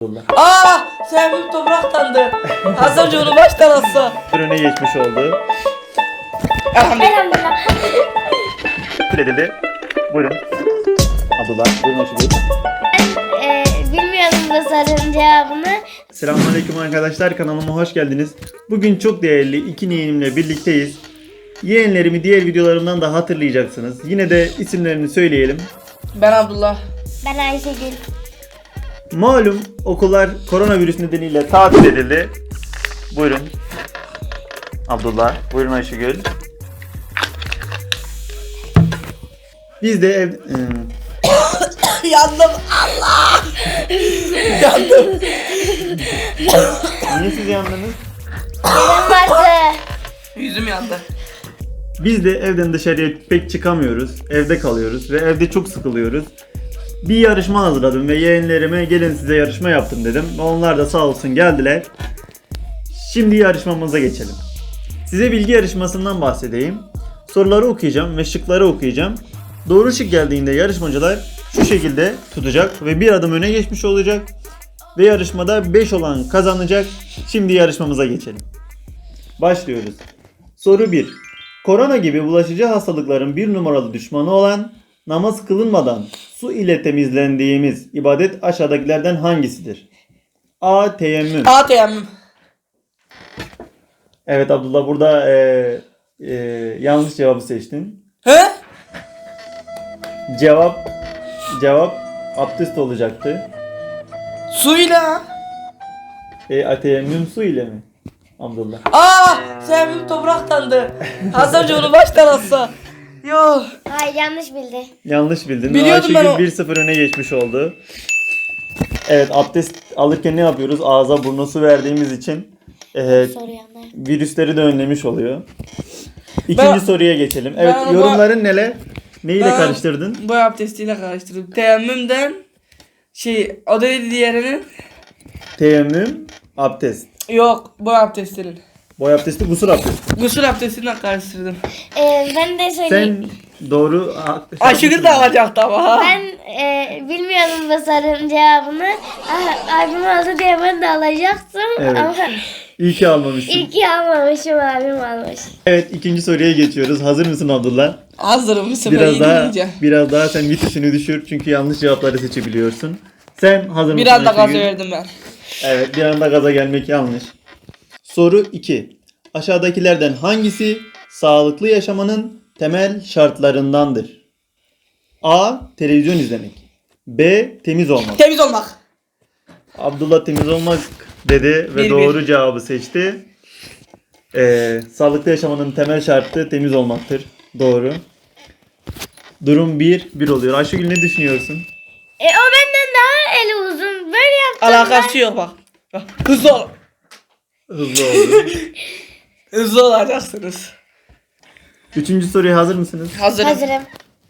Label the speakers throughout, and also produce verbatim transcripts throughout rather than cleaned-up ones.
Speaker 1: Aa, Sevim topraktandı. Az önce onu baştan atsa.
Speaker 2: Öne geçmiş oldu.
Speaker 1: Elhamdülillah.
Speaker 2: Edildi. Buyurun. Abdullah, buyurun hoş geldin.
Speaker 3: Ee, bilmiyorum bu sorunun cevabını.
Speaker 2: Selamünaleyküm arkadaşlar, kanalıma hoş geldiniz. Bugün çok değerli iki yeğenimle birlikteyiz. Yeğenlerimi diğer videolarımdan da hatırlayacaksınız. Yine de isimlerini söyleyelim.
Speaker 1: Ben Abdullah.
Speaker 3: Ben Ayşegül.
Speaker 2: Malum okullar koronavirüs nedeniyle tatil edildi. Buyurun. Abdullah, buyurun Ayşegül. Biz de ev... ıı,
Speaker 1: Yandım. Allah. Yandım.
Speaker 2: Niye siz yandınız?
Speaker 3: Benim vardı.
Speaker 1: Yüzüm yandı.
Speaker 2: Biz de evden dışarıya pek çıkamıyoruz. Evde kalıyoruz ve evde çok sıkılıyoruz. Bir yarışma hazırladım ve yeğenlerime gelin size yarışma yaptım dedim. Onlar da sağ olsun geldiler. Şimdi yarışmamıza geçelim. Size bilgi yarışmasından bahsedeyim. Soruları okuyacağım ve şıkları okuyacağım. Doğru şık geldiğinde yarışmacılar şu şekilde tutacak ve bir adım öne geçmiş olacak. Ve yarışmada beş olan kazanacak. Şimdi yarışmamıza geçelim. Başlıyoruz. Soru bir. Korona gibi bulaşıcı hastalıkların bir numaralı düşmanı olan namaz kılınmadan su ile temizlendiğimiz ibadet aşağıdakilerden hangisidir? A. Teyemmüm.
Speaker 1: A teyemmüm.
Speaker 2: Evet Abdullah, burada e, e, yanlış cevabı seçtin.
Speaker 1: He?
Speaker 2: Cevap cevap abdest olacaktı.
Speaker 1: Suyla.
Speaker 2: E, teyemmüm su ile mi? Abdullah.
Speaker 1: Aa, Sevim topraktandı. Az önce onu baştan atsa. Yo.
Speaker 3: Hayır, yanlış bildi.
Speaker 2: Yanlış bildin.
Speaker 1: Biliyordum ben
Speaker 2: Ayşegül
Speaker 1: o-
Speaker 2: bir sıfır öne geçmiş oldu. Evet, abdest alırken ne yapıyoruz? Ağza burna su verdiğimiz için e,
Speaker 3: Soru yanlış.
Speaker 2: virüsleri de önlemiş oluyor. İkinci
Speaker 1: Ben-
Speaker 2: soruya geçelim. Evet,
Speaker 1: ben-
Speaker 2: yorumların neler? Neyle
Speaker 1: Ben
Speaker 2: karıştırdın?
Speaker 1: Bu abdestiyle karıştırdım. Teyemmümden şey, o da neydi diğerinin?
Speaker 2: Teyemmüm, abdest.
Speaker 1: Yok, bu abdestinin.
Speaker 2: Boy abdesti, gusül abdesti.
Speaker 1: Gusül abdestinden karıştırdım.
Speaker 3: Ee, ben de söyleyeyim.
Speaker 2: Sen doğru...
Speaker 1: Ayşegül de alacaktı ama. ha.
Speaker 3: Ben e, bilmiyorum bu sorunun cevabını. Ah, abim aldı diye ben de alacaktım.
Speaker 2: Evet.
Speaker 3: Ama
Speaker 2: İyi ki almamışsın.
Speaker 3: iyi ki almamışım, abim almış.
Speaker 2: Evet, ikinci soruya geçiyoruz. Hazır mısın Abdullah?
Speaker 1: Hazırım, bir sefer
Speaker 2: Biraz
Speaker 1: iyi
Speaker 2: daha
Speaker 1: dinleyeceğim.
Speaker 2: biraz daha sen vitesini düşür çünkü yanlış cevapları seçebiliyorsun. Sen hazır mısın?
Speaker 1: Bir anda gazı
Speaker 2: Ayşegül?
Speaker 1: verdim ben.
Speaker 2: Evet, bir anda gaza gelmek yanlış. Soru iki. Aşağıdakilerden hangisi sağlıklı yaşamanın temel şartlarındandır? A. Televizyon izlemek. B. Temiz olmak.
Speaker 1: Temiz olmak.
Speaker 2: Abdullah temiz olmak dedi ve
Speaker 1: Bir,
Speaker 2: doğru
Speaker 1: bir.
Speaker 2: cevabı seçti. Ee, sağlıklı yaşamanın temel şartı temiz olmaktır. Doğru. Durum bir bir oluyor. Ayşegül, ne düşünüyorsun?
Speaker 3: E, o benden daha eli uzun. Böyle yaptım.
Speaker 1: Alakası yok bak. Bak, hızlı ol.
Speaker 2: Hızlı oldu.
Speaker 1: Hızlı olacaksınız.
Speaker 2: Üçüncü soruya hazır mısınız?
Speaker 1: Hazırım.
Speaker 3: Hazırım.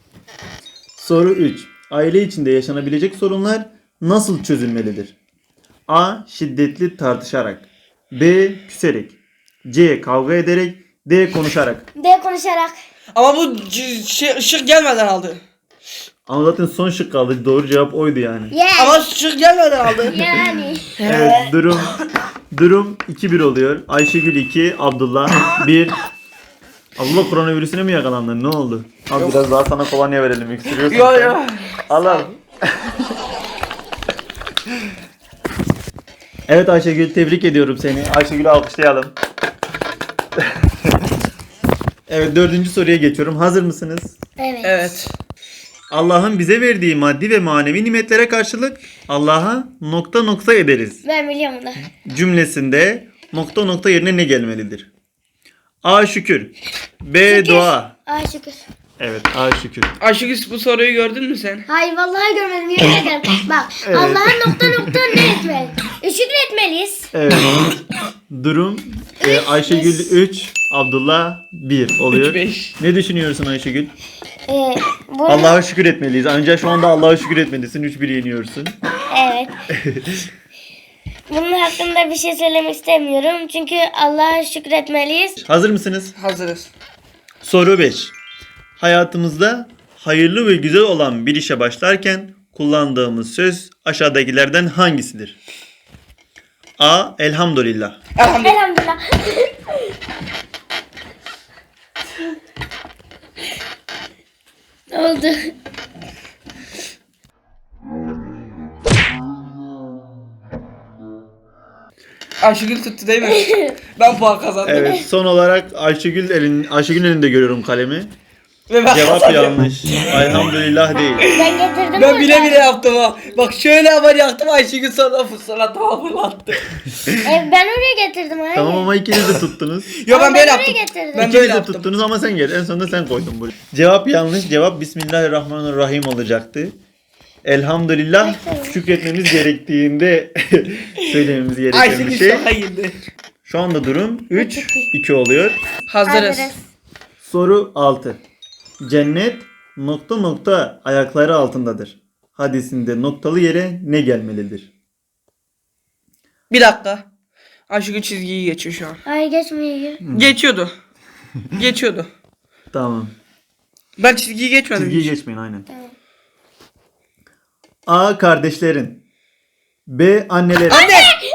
Speaker 2: Soru üç. Aile içinde yaşanabilecek sorunlar nasıl çözülmelidir? A. Şiddetli tartışarak. B. Küserek. C. Kavga ederek. D. Konuşarak.
Speaker 3: De konuşarak.
Speaker 1: Ama bu c- şey, ışık gelmeden aldı.
Speaker 2: Ama zaten son şık kaldı. Doğru cevap oydu yani.
Speaker 3: Yani.
Speaker 1: Ama ışık gelmeden aldı.
Speaker 3: Yani.
Speaker 2: Evet, durum durum iki bir oluyor. Ayşegül iki, Abdullah bir. Abdullah, koronavirüsüne mi yakalandın? Ne oldu? Al biraz daha sana kolonya verelim. Öksürüyorsun.
Speaker 1: Yo
Speaker 2: sen.
Speaker 1: yo.
Speaker 2: Al al. Evet Ayşegül, tebrik ediyorum seni. Ayşegül'ü alkışlayalım. Evet, dördüncü soruya geçiyorum. Hazır mısınız?
Speaker 3: Evet.
Speaker 1: Evet.
Speaker 2: Allah'ın bize verdiği maddi ve manevi nimetlere karşılık Allah'a nokta nokta ederiz
Speaker 3: Ben biliyorum da.
Speaker 2: cümlesinde nokta nokta yerine ne gelmelidir? A. Şükür. B.
Speaker 3: Şükür.
Speaker 2: Dua.
Speaker 3: Ay şükür.
Speaker 2: Evet, A. Şükür.
Speaker 1: Ayşegül, bu soruyu gördün mü sen?
Speaker 3: Hayır, vallahi görmedim, yemin ederim. Bak,
Speaker 2: Evet.
Speaker 3: Allah'a nokta nokta ne etmeli? E, şükretmeliyiz.
Speaker 2: Evet. Durum e, Ayşegül üç, Abdullah bir oluyor.
Speaker 1: üç beş.
Speaker 2: Ne düşünüyorsun Ayşegül?
Speaker 3: Ee, bunu,
Speaker 2: Allah'a şükür etmeliyiz. Ancak şu anda Allah'a şükür etmelisin. üç bir yeniyorsun.
Speaker 3: Evet. Bunun hakkında bir şey söylemek istemiyorum. Çünkü Allah'a şükretmeliyiz.
Speaker 2: Hazır mısınız?
Speaker 1: Hazırız.
Speaker 2: Soru beş. Hayatımızda hayırlı ve güzel olan bir işe başlarken kullandığımız söz aşağıdakilerden hangisidir? A. Elhamdülillah.
Speaker 1: Elhamdülillah.
Speaker 3: Elhamdülillah. Ne oldu?
Speaker 1: Ayşegül tuttu değil mi? Ben puan kazandım.
Speaker 2: Evet, son olarak Ayşegül elin Ayşegül elinde görüyorum kalemi.
Speaker 1: Ve ben
Speaker 2: Cevap
Speaker 1: kazandım.
Speaker 2: yanlış. Elhamdülillah değil.
Speaker 3: Ben getirdim
Speaker 1: Ben bile
Speaker 3: burada.
Speaker 1: bile yaptım ha. Bak şöyle haber yaptım Ayşegül sonra fırsat fırlattı.
Speaker 3: E, ben oraya getirdim. Hayır.
Speaker 2: Tamam ama ikiniz de tuttunuz.
Speaker 1: Yo ben
Speaker 3: Ama
Speaker 1: böyle
Speaker 3: ben
Speaker 1: yaptım.
Speaker 3: oraya getirdim.
Speaker 1: Ben
Speaker 2: İkiniz
Speaker 1: böyle
Speaker 2: de
Speaker 1: yaptım.
Speaker 2: tuttunuz ama sen gel. En sonunda sen koydun buraya. Cevap yanlış. Cevap Bismillahirrahmanirrahim olacaktı. Elhamdülillah şükretmemiz gerektiğinde söylememiz gereken bir
Speaker 1: Ayşegül
Speaker 2: şey.
Speaker 1: şoka girdi.
Speaker 2: Şu anda durum üç iki oluyor.
Speaker 1: Hazırız.
Speaker 3: Hazırız.
Speaker 2: Soru altı. Cennet nokta nokta ayakları altındadır. Hadisinde noktalı yere ne gelmelidir?
Speaker 1: Bir dakika. Ayşegül çizgiyi geçiyor şu an.
Speaker 3: Hayır geçmiyor.
Speaker 1: Geçiyordu. Geçiyordu.
Speaker 2: Tamam.
Speaker 1: Ben çizgiyi geçmedim.
Speaker 2: Çizgiyi
Speaker 1: hiç.
Speaker 2: geçmeyin aynen.
Speaker 3: Tamam.
Speaker 2: A. Kardeşlerin. B. Annelerin.
Speaker 1: Anne!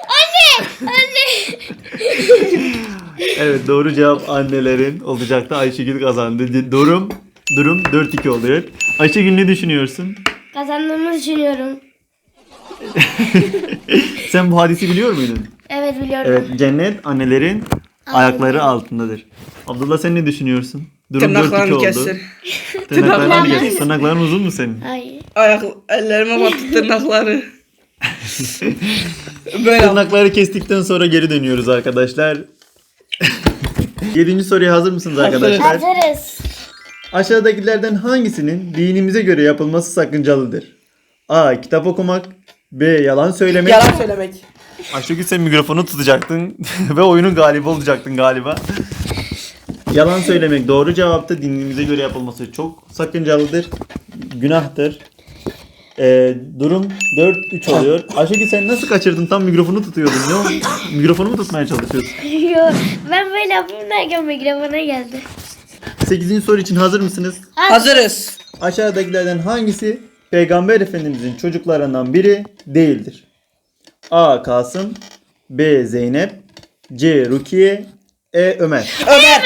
Speaker 2: Evet, doğru cevap annelerin olacaktı. Ayşegül kazandı. Durum durum dört iki oluyor. Ayşegül ne düşünüyorsun?
Speaker 3: Kazandığımı düşünüyorum.
Speaker 2: Sen bu hadisi biliyor muydun?
Speaker 3: Evet biliyorum.
Speaker 2: Evet, cennet annelerin ayakları altındadır. Abdullah sen ne düşünüyorsun? Durum dört iki
Speaker 1: Tırnaklarını
Speaker 2: oldu.
Speaker 1: kessin.
Speaker 2: Tırnaklarını
Speaker 3: Tırnaklarını-
Speaker 2: kes. Tırnakların uzun mu senin?
Speaker 3: Hayır.
Speaker 1: Ayak, ellerime battı tırnakları. Böyle yap-
Speaker 2: Tırnakları kestikten sonra geri dönüyoruz arkadaşlar. Yedinci soruya hazır mısınız arkadaşlar?
Speaker 3: Hazırız.
Speaker 2: Aşağıdakilerden hangisinin dinimize göre yapılması sakıncalıdır? A. Kitap okumak. B. Yalan söylemek.
Speaker 1: Yalan söylemek.
Speaker 2: Ayşegül sen mikrofonu tutacaktın ve oyunun galibi olacaktın galiba. Yalan söylemek doğru cevaptı. Dinimize göre yapılması çok sakıncalıdır. Günahtır. Ee, durum dört üç oluyor. Ayşegül sen nasıl kaçırdın? Tam mikrofonu tutuyordun. Ne oldu? Mikrofonu mu tutmaya çalışıyorsun?
Speaker 3: Yo, ben böyle yapayım derken mikrofona geldi.
Speaker 2: sekizinci soru için hazır mısınız?
Speaker 1: Hazırız.
Speaker 2: Aşağıdakilerden hangisi Peygamber Efendimizin çocuklarından biri değildir? A. Kasım. B. Zeynep. C. Rukiye. E. Ömer.
Speaker 1: Ömer.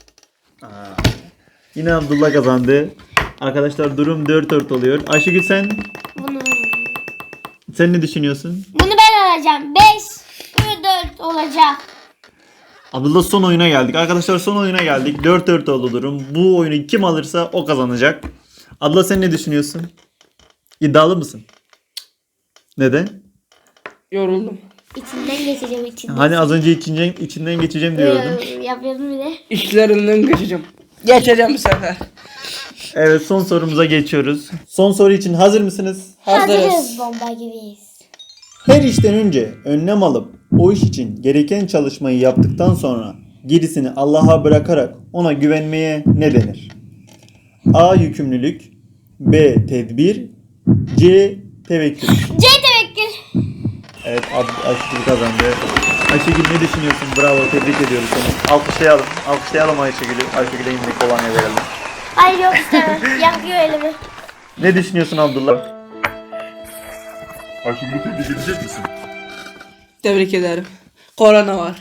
Speaker 2: Yine Abdullah kazandı. Arkadaşlar durum dört dört oluyor. Ayşegül sen
Speaker 3: Bunu,
Speaker 2: sen ne düşünüyorsun?
Speaker 3: bunu ben alacağım. beş ve dört olacak.
Speaker 2: Abdullah son oyuna geldik. Arkadaşlar son oyuna geldik. dört dört oldu durum. Bu oyunu kim alırsa o kazanacak. Abdullah sen ne düşünüyorsun? İddialı mısın? Neden?
Speaker 1: Yoruldum.
Speaker 3: İçinden geçeceğim içinden.
Speaker 2: Hani az önce içinden, içinden geçeceğim diyordun.
Speaker 3: Ee, Yapıyordum bir de.
Speaker 1: İşlerinden geçeceğim. Geçeceğim bu sefer.
Speaker 2: Evet, son sorumuza geçiyoruz. Son soru için hazır mısınız?
Speaker 1: Hazırız.
Speaker 3: Bomba gibiyiz.
Speaker 2: Her işten önce önlem alıp o iş için gereken çalışmayı yaptıktan sonra gerisini Allah'a bırakarak ona güvenmeye ne denir? A. Yükümlülük. B. Tedbir. C. Tevekkül.
Speaker 3: C tevekkül.
Speaker 2: Evet, Ab- Ayşegül kazandı. Ayşegül ne düşünüyorsun? Bravo, tebrik ediyoruz seni. Alkışlayalım. Alkışlayalım Ayşegül'ü. Ayşegül'e yine kolonya verelim.
Speaker 3: Ay yok istemem. Yakıyor elimi.
Speaker 2: Ne düşünüyorsun Abdullah?
Speaker 4: Ayşegül'ü tebrik edecek misin?
Speaker 1: Tebrik ederim. Korona var.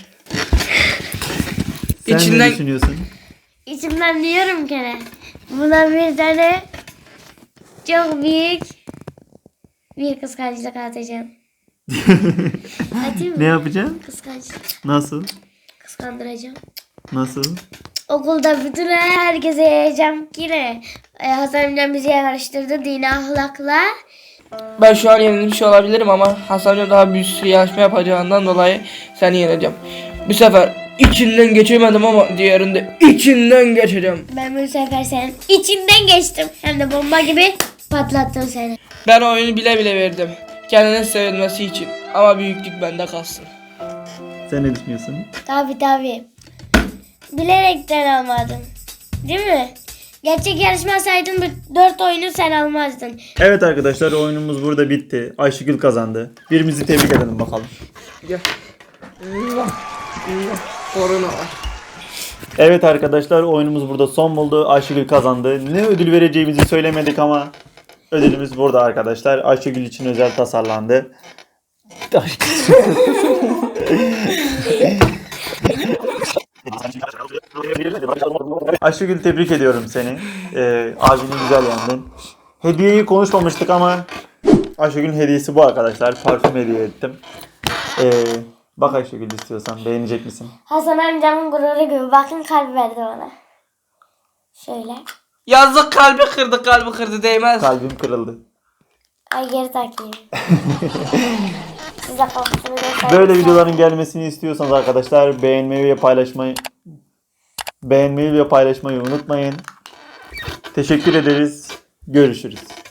Speaker 2: Sen
Speaker 1: İçinden-
Speaker 2: ne düşünüyorsun?
Speaker 3: İçimden diyorum ki ne? Buna bir tane çok büyük bir kıskançlık atacağım. Atayım mı?
Speaker 2: Ne yapacaksın?
Speaker 3: Kıskançlık.
Speaker 2: Nasıl?
Speaker 3: Kıskandıracağım.
Speaker 2: Nasıl?
Speaker 3: Okulda bütün herkese yayacağım ki ne? Ee, Hasan amcam bizi yarıştırdı dini ahlakla.
Speaker 1: Ben şu an yenilmiş olabilirim ama Hasan Hoca daha büyük bir yarışma yapacağından dolayı seni yeneceğim. Bu sefer içinden geçemedim ama diğerinde içinden geçeceğim.
Speaker 3: Ben bu sefer senin içinden geçtim. Hem de bomba gibi patlattım seni.
Speaker 1: Ben oyunu bile bile verdim. Kendine sevilmesi için. Ama büyüklük bende kalsın.
Speaker 2: Sen ne düşünüyorsun?
Speaker 3: Tabi tabi. Bilerekten almadın. Değil mi? Gerçek yarışmasaydın bu dört oyunu sen almazdın.
Speaker 2: Evet arkadaşlar, oyunumuz burada bitti. Ayşegül kazandı. Birimizi tebrik edelim bakalım.
Speaker 1: Gel. Allah. Allah. Korona var.
Speaker 2: Evet arkadaşlar, oyunumuz burada son buldu. Ayşegül kazandı. Ne ödül vereceğimizi söylemedik ama ödülümüz burada arkadaşlar. Ayşegül için özel tasarlandı. Taş. Ayşegül, tebrik ediyorum seni. Ee, abini güzel yendin. Hediyeyi konuşmamıştık ama Ayşegül'ün hediyesi bu arkadaşlar. Parfüm hediye ettim. Ee, bak Ayşegül, istiyorsan beğenecek misin?
Speaker 3: Hasan amcamın gururu gibi. Bakın kalp verdi bana. Şöyle.
Speaker 1: Yazık, kalbi kırdı, kalbi kırdı, değmez.
Speaker 2: Kalbim kırıldı.
Speaker 3: Ay geri takayım. Size kokusunu göstereyim.
Speaker 2: Böyle videoların gelmesini istiyorsanız arkadaşlar beğenmeyi ve paylaşmayı beğenmeyi ve paylaşmayı unutmayın. Teşekkür ederiz. Görüşürüz.